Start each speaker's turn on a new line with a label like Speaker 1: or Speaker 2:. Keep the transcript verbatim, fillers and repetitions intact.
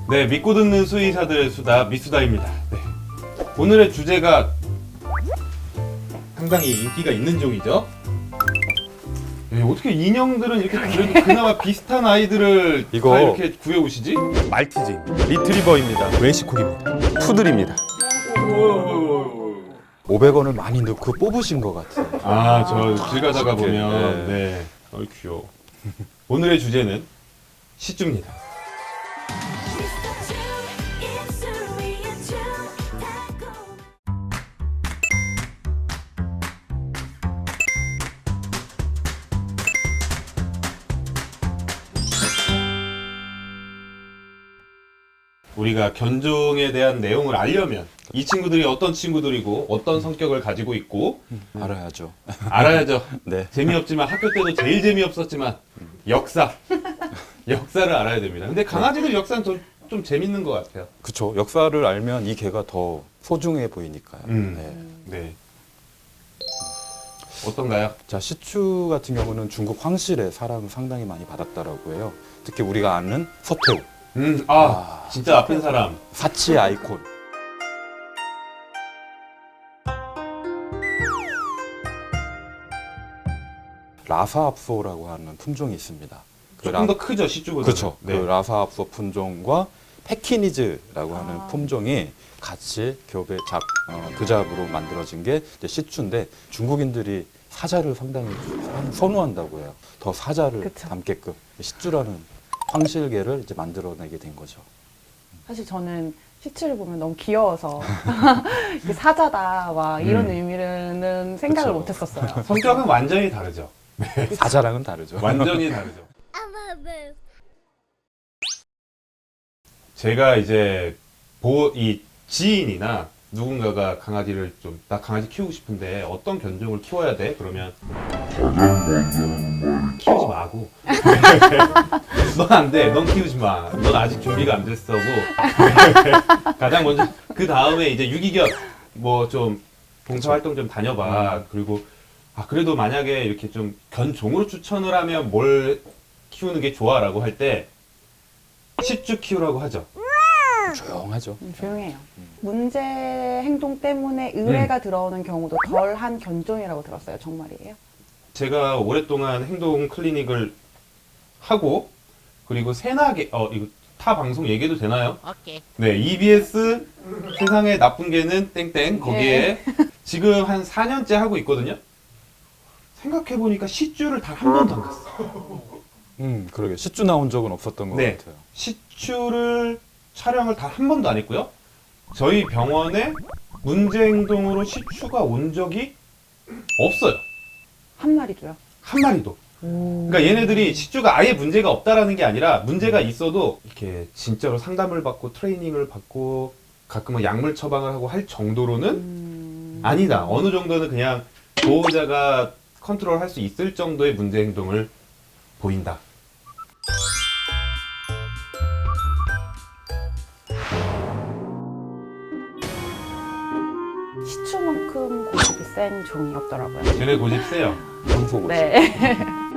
Speaker 1: 네, 믿고 듣는 수의사들의 수다 미수다입니다. 네. 오늘의 주제가 상당히 인기가 있는 종이죠. 네, 어떻게 인형들은 이렇게 그래도 그나마 비슷한 아이들을
Speaker 2: 이거-
Speaker 1: 다 이렇게 구해오시지?
Speaker 2: 말티즈입니다. 리트리버입니다. 웨시콕입니다. 푸들입니다. 오백 원을 많이 넣고 뽑으신 것 같아요.
Speaker 1: 아, 저 길 가다가
Speaker 2: 이렇게,
Speaker 1: 보면
Speaker 2: 네.
Speaker 1: 네, 어이 귀여워. 오늘의 주제는 시쭈입니다. 우리가 견종에 대한 내용을 알려면 이 친구들이 어떤 친구들이고 어떤 성격을 가지고 있고
Speaker 2: 알아야죠.
Speaker 1: 알아야죠.
Speaker 2: 네.
Speaker 1: 재미없지만 학교 때도 제일 재미없었지만 역사 역사를 알아야 됩니다. 근데 강아지들 역사는 좀, 좀 재밌는 것 같아요.
Speaker 2: 그쵸. 역사를 알면 이 개가 더 소중해 보이니까요.
Speaker 1: 음.
Speaker 2: 네.
Speaker 1: 네. 어떤가요?
Speaker 2: 자, 시추 같은 경우는 중국 황실의 사랑을 상당히 많이 받았다라고 해요. 특히 우리가 아는 서태후,
Speaker 1: 음, 아, 진짜 아픈 사람.
Speaker 2: 사치의 아이콘. 라사압소라고 하는 품종이 있습니다. 그
Speaker 1: 조금 더 크죠, 시쭈보다.
Speaker 2: 그렇죠.
Speaker 1: 네.
Speaker 2: 그 라사압소 품종과 페키니즈라고 하는
Speaker 3: 아.
Speaker 2: 품종이 같이 교배 잡 어, 교잡으로 만들어진 게 이제 시추인데 중국인들이 사자를 상당히 선호한다고 해요. 더 사자를
Speaker 3: 그쵸.
Speaker 2: 담게끔 시추라는 황실계를 이제 만들어내게 된 거죠.
Speaker 3: 사실 저는 시추를 보면 너무 귀여워서 이게 사자다 와 이런
Speaker 1: 음.
Speaker 3: 의미는 생각을
Speaker 2: 그쵸.
Speaker 3: 못했었어요.
Speaker 1: 성격은 완전히 다르죠.
Speaker 2: 사자랑은 다르죠.
Speaker 1: 완전히 다르죠. 제가 이제 보, 이 지인이나 누군가가 강아지를 좀, 나 강아지 키우고 싶은데 어떤 견종을 키워야 돼? 그러면 키우지 마고. 넌 안 돼. 넌 키우지 마. 넌 아직 준비가 안 됐어고. 가장 먼저 그 다음에 이제 유기견 뭐 좀 봉사활동 좀 다녀봐. 그리고 아 그래도 만약에 이렇게 좀 견종으로 추천을 하면 뭘 키우는 게 좋아라고 할 때 시쭈 키우라고 하죠.
Speaker 2: 조용하죠.
Speaker 3: 음, 조용해요. 문제 행동 때문에 의뢰가
Speaker 1: 음.
Speaker 3: 들어오는 경우도 덜한 견종이라고 들었어요. 정말이에요?
Speaker 1: 제가 오랫동안 행동 클리닉을 하고 그리고 세나게 어 이거 타 방송 얘기해도 되나요?
Speaker 4: 오케이.
Speaker 1: 네, 이비에스 세상에 나쁜 개는 땡땡 거기에 지금 한 사 년째 하고 있거든요. 생각해 보니까 시쭈를 단 한 번도 안 갔어.
Speaker 2: 음, 그러게 시추 나온 적은 없었던 것
Speaker 1: 네.
Speaker 2: 같아요.
Speaker 1: 시추를 촬영을 단 한 번도 안 했고요. 저희 병원에 문제 행동으로 시추가 온 적이 없어요.
Speaker 3: 한 마리도요?
Speaker 1: 한 마리도.
Speaker 3: 오.
Speaker 1: 그러니까 얘네들이 시쭈가 아예 문제가 없다라는 게 아니라 문제가 있어도 이렇게 진짜로 상담을 받고 트레이닝을 받고 가끔은 약물 처방을 하고 할 정도로는
Speaker 3: 음...
Speaker 1: 아니다. 어느 정도는 그냥 보호자가 컨트롤할 수 있을 정도의 문제 행동을 보인다.
Speaker 3: 시추만큼 고집이 센 종이 없더라고요.
Speaker 1: 쟤네 고집 세요.
Speaker 2: 황소고치.
Speaker 3: 네.